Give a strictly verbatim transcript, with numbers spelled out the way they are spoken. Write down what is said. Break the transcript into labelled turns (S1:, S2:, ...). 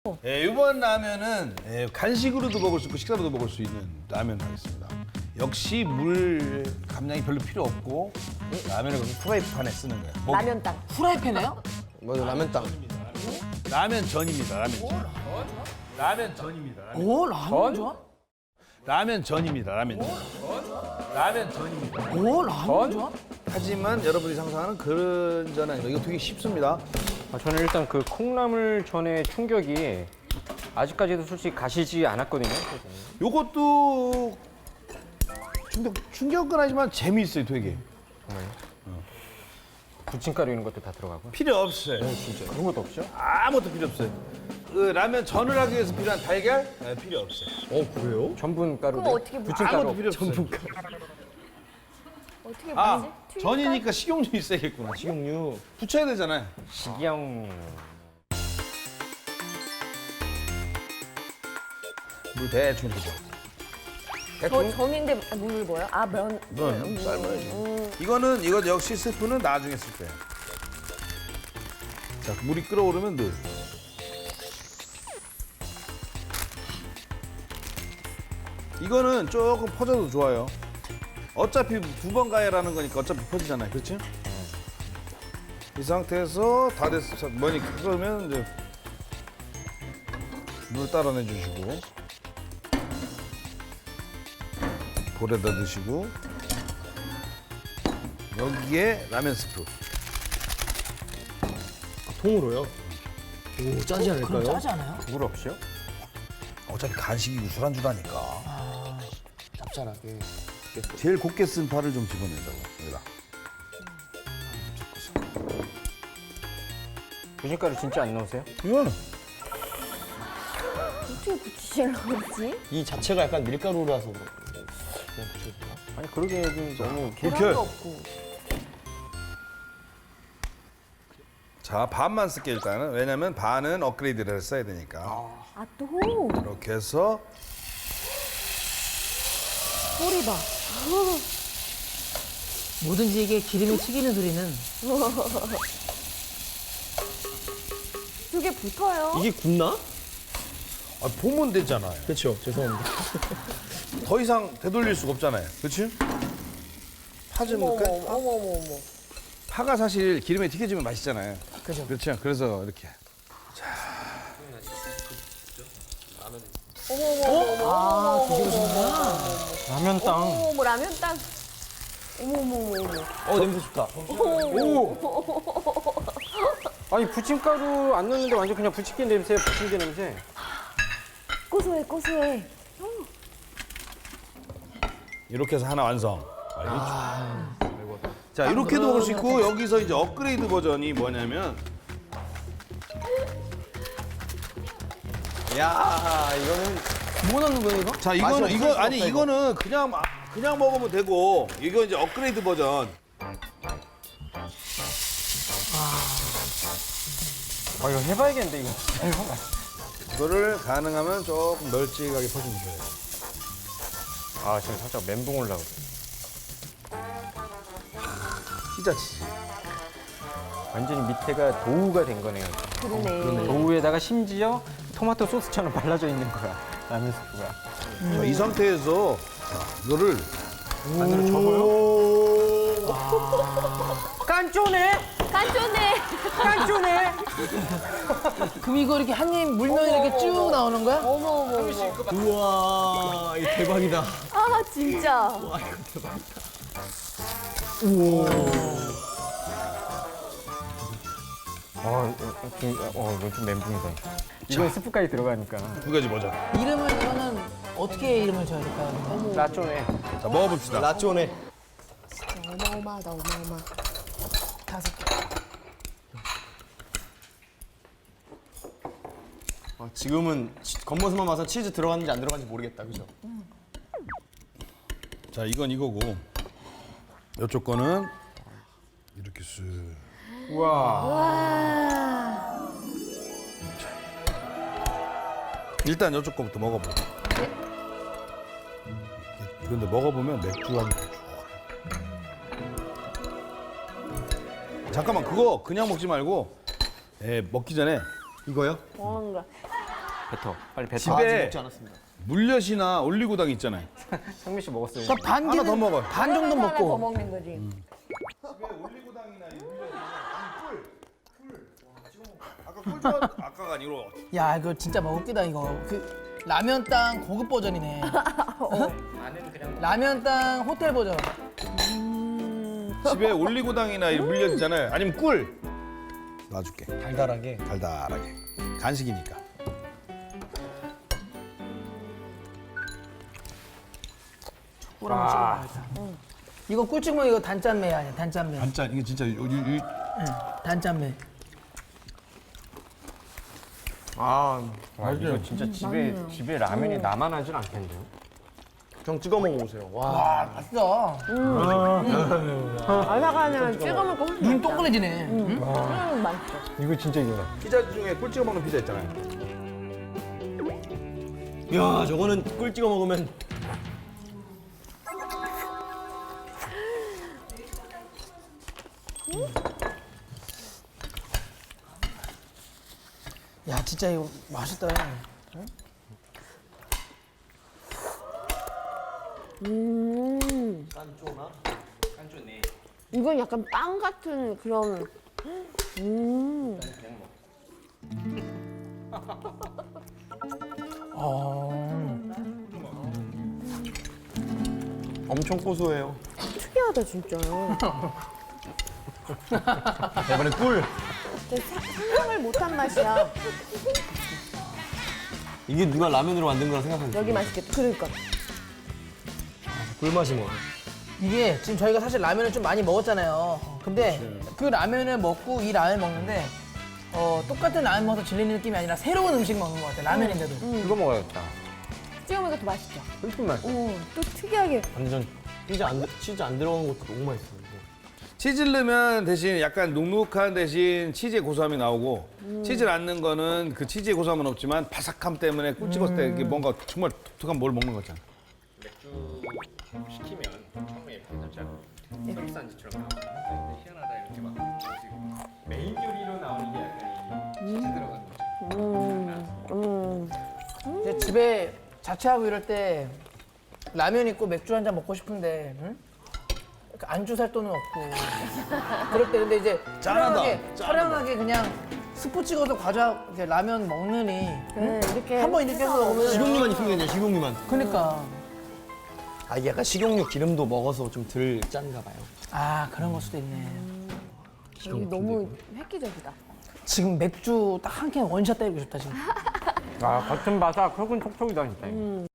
S1: 예, 이번 라면은 예, 간식으로도 먹을 수 있고 식사로도 먹을 수 있는 라면 하겠습니다. 역시 물 감량이 별로 필요 없고 라면을 그냥 프라이팬에 쓰는 거예요. 뭐,
S2: 라면 땅.
S3: 프라이팬에요?
S4: 맞아, 라면 땅.
S1: 라면 전입니다. 라면 전. 라면 전입니다. 라면,
S3: 오, 라면 좋아?
S1: 라면 전입니다. 라면 전. 라면 전입니다.
S3: 오, 라면 좋아?
S1: 하지만 여러분이 상상하는 그런 전 아닙니다. 이거 되게 쉽습니다.
S5: 아, 저는 일단 그 콩나물 전의 충격이 아직까지도 솔직히 가시지 않았거든요.
S1: 요것도 충격, 충격은 하지만 재미있어요, 되게.
S5: 부침가루 이런 것도 다 들어가고.
S1: 필요 없어요.
S5: 그런 것도 없죠?
S1: 아무것도 필요 없어요. 그 라면 전을 하기 위해서 필요한 달걀? 네, 필요 없어요.
S4: 어, 그래요?
S5: 전분가루.
S2: 그럼 어떻게 부-
S5: 부침가루.
S1: 아무것도 필요 없어요.
S2: 어떻게
S1: 아,
S2: 뭐지? 튀김
S1: 전이니까 식용유 있어야겠구나.
S4: 식용유.
S1: 붙여야 되잖아요.
S5: 식용.
S1: 물 대충 주죠.
S2: 저 전인데 물을 뭐요? 아 면.
S1: 이건 삶아야지. 이거는 이거 역시 스프는 나중에 쓸 거예요. 자, 물이 끓어오르면 넣어요. 이거는 조금 퍼져도 좋아요. 어차피 두 번 가야라는 거니까 어차피 퍼지잖아요. 그렇지? 이 상태에서 다 됐어. 뭐니 끓으면 이제 물 따라내 주시고 볼에다 넣으시고 여기에 라면 스프.
S4: 통으로요? 오, 짜지
S3: 그럼
S4: 않을까요?
S3: 짜지 않아요?
S5: 물 없이요?
S1: 어차피 간식이고 술안주라니까.
S4: 짭짤하게.
S1: 제일 곱게 쓴 파를 좀 집어내자고. 여기다.
S5: 부침가루 진짜 안 넣으세요?
S1: 이거는
S2: 어떻게 붙이시려고 그러지?
S4: 이 자체가 약간 밀가루라서 그런 그냥 붙여도 되나?
S5: 아니 그러게 좀 너무
S2: 계란도 없고.
S1: 자, 반만 쓸게 일단은. 왜냐면 반은 업그레이드를 써야 되니까.
S2: 아 또.
S1: 이렇게 해서
S2: 소리 봐.
S3: 뭐든지 이게 기름이 튀기는 소리는
S2: 그게 붙어요.
S4: 이게 굽나?
S1: 아, 보면 되잖아요.
S4: 그렇죠. 죄송합니다.
S1: 더 이상 되돌릴 수가 없잖아요. 그렇지? 파 좀
S2: 어머
S1: 넣을까?
S2: 어머 어머 어머 어머.
S1: 파가 사실 기름에 튀겨지면 맛있잖아요.
S3: 그죠.
S1: 그렇죠. 그래서 이렇게.
S2: 어머 어머 어머.
S3: 아, 뒤집어지는구나.
S5: 라면 땅.
S2: 어머 어머 라면 땅. 어머 어머 어머 어머.
S4: 어, 냄새 좋다.
S5: 아니 부침가루 안 넣는데 완전 그냥 부침개 냄새, 부침개 냄새.
S2: 고소해 고소해.
S1: 이렇게 해서 하나 완성. 아, 자, 이렇게도 먹을 수 있고 여기서 이제 업그레이드 버전이 뭐냐면
S4: 야, 이거는
S3: 뭐 넣는 거예요, 이거?
S1: 자, 이거는
S4: 맛이
S1: 이거
S4: 없을
S1: 아니
S4: 수가 없다,
S1: 이거는 그냥 마- 그냥 먹으면 되고 이거 이제 업그레이드 버전.
S5: 아 이거 해봐야겠는데 이거.
S1: 이거를 가능하면 조금 널찍하게 퍼주셔야 돼요.
S5: 아 지금 살짝 멘붕 올라오고.
S1: 피자치즈.
S5: 완전히 밑에가 도우가 된 거네요.
S2: 그러네.
S5: 도우에다가 심지어 토마토 소스처럼 발라져 있는 거야. 라면 스프가.
S1: 자, 이 상태에서 자, 이거를
S5: 안으로 접어요? 깐쪼네?
S2: 깐ጮ네.
S5: 깐쪼네?
S3: 그럼 이거 이렇게 한 입 물면 이렇게 쭉 나오는 거야?
S2: 어머 어머 어머.
S4: 우와, 이 대박이다.
S2: 아 진짜.
S5: 아, 이거 좀, 어, 이거 좀 멘붕이다. 이건 스프까지 들어가니까.
S1: 두 가지 버전.
S3: 이름을 이거는 어떻게 이름을 줘야 될까요?
S5: 라쪼네.
S1: 자, 먹어봅시다.
S4: 라쪼네.
S2: 어마어마하다 어마어마.
S3: 다섯 개.
S4: 어, 지금은 치- 겉모습만 봐서 치즈 들어갔는지 안 들어갔는지 모르겠다, 그죠?
S1: 자, 이건 이거고 이쪽 거는 이렇게 쓱.
S5: 우와.
S2: 와.
S1: 일단 이쪽 거부터 먹어보고. 그런데 먹어보면 맥주 향이 더 좋아요. 잠깐만, 그거 그냥 먹지 말고 예, 먹기 전에
S4: 이거요?
S2: 뭔가.
S5: 뱉어. 빨리 뱉어.
S1: 집에-
S4: 아직 먹지 않았습니다.
S1: 물엿이나 올리고당 있잖아요.
S5: 상민 씨 먹었어요.
S3: 그러니까 반
S1: 하나
S3: 개는
S1: 더 먹어.
S3: 반 정도
S2: 하나 더
S3: 먹고.
S2: 먹는 거지.
S1: 집에 올리고당이나 이 물엿, 꿀, 꿀. 아까 꿀 좋아, 아까가 아니고
S3: 야 이거 진짜 먹을기다 이거. 그 라면 땅 고급 버전이네. 라면 땅 호텔 버전.
S1: 집에 올리고당이나 이 물엿 있잖아요. 아니면 꿀. 놔줄게.
S4: 달달하게.
S1: 달달하게. 간식이니까.
S3: 꿀 한번 찍어봐야겠다. 이거 꿀찍먹 이거 단짠매 아니야 단짠매.
S1: 단짠 이게 진짜 요, 요, 요,
S3: 응, 단짠매.
S4: 아,
S5: 와, 이거 진짜 집에 집에 라면이 나만 하진 않겠네요.
S4: 형 찍어 먹어보세요. 와,
S3: 아 맛있어.
S2: 아삭하면 찍어 먹고 훨씬
S3: 눈
S2: 맛있다.
S3: 동그래지네. 응?
S2: 음, 맛있어.
S5: 이거 진짜 이거다.
S1: 피자 중에 꿀 찍어 먹는 피자 있잖아요.
S4: 야, 저거는 꿀 찍어 먹으면
S3: 야 진짜 이거 맛있다.
S2: 음.
S4: 깐쪼나?
S2: 이건 약간 빵 같은 그런. 음.
S3: 어.
S4: 엄청 고소해요.
S2: 특이하다 진짜요.
S4: 이번에 꿀.
S2: 진짜 사- 상상을 못한 맛이야.
S4: 이게 누가 라면으로 만든 거라 생각하니까
S2: 여기 맛있겠다. 그러니까.
S4: 꿀맛이 뭐.
S3: 이게 지금 저희가 사실 라면을 좀 많이 먹었잖아요. 근데 그 라면을 먹고 이 라면 먹는데 어, 똑같은 라면 먹어서 질리는 느낌이 아니라 새로운 음식 먹는 것 같아요. 라면인데도.
S5: 이거 먹어야겠다.
S2: 찍어 먹으니까 더 맛있죠.
S5: 훨씬 맛있어.
S2: 오, 또 특이하게.
S4: 완전 치즈 안, 들- 치즈 안 들어간 것도 너무 맛있어요. 이거.
S1: 치즈를 넣으면 대신 약간 눅눅한 대신 치즈의 고소함이 나오고 치즈를 안 넣은 거는 그 치즈의 고소함은 없지만 바삭함 때문에 꿀 찍었을 때 이게 뭔가 정말 독특한 뭘 먹는 거잖아.
S5: 맥주 시키면 처음에 살짝 서비스안주처럼 나오고 희한하다 이렇게 막 메인 요리로 나오는 게 약간 이 치즈 들어간 거.
S2: 음.
S3: 이제 집에 자취하고 이럴 때 라면 있고 맥주 한 잔 먹고 싶은데 응? 그러니까 안주 살 돈은 없고 그럴 때 근데 이제 촬영하게 촬영하게 그냥 스프 찍어서 과자 이렇게 라면 먹느니
S2: 네, 이렇게.
S3: 한 번 이렇게 해서 먹으면
S4: 식용유만 있으면 그냥 식용유만.
S3: 그러니까
S4: 아, 이게 약간 식용유 기름도 먹어서 좀 덜 짠가 봐요.
S3: 아 그런 걸 수도 있네.
S2: 여기 너무 획기적이다.
S3: 지금 맥주 딱 한 캔 원샷 때리고 싶다 지금.
S5: 아, 겉은 바삭, 속은 촉촉이다 진짜.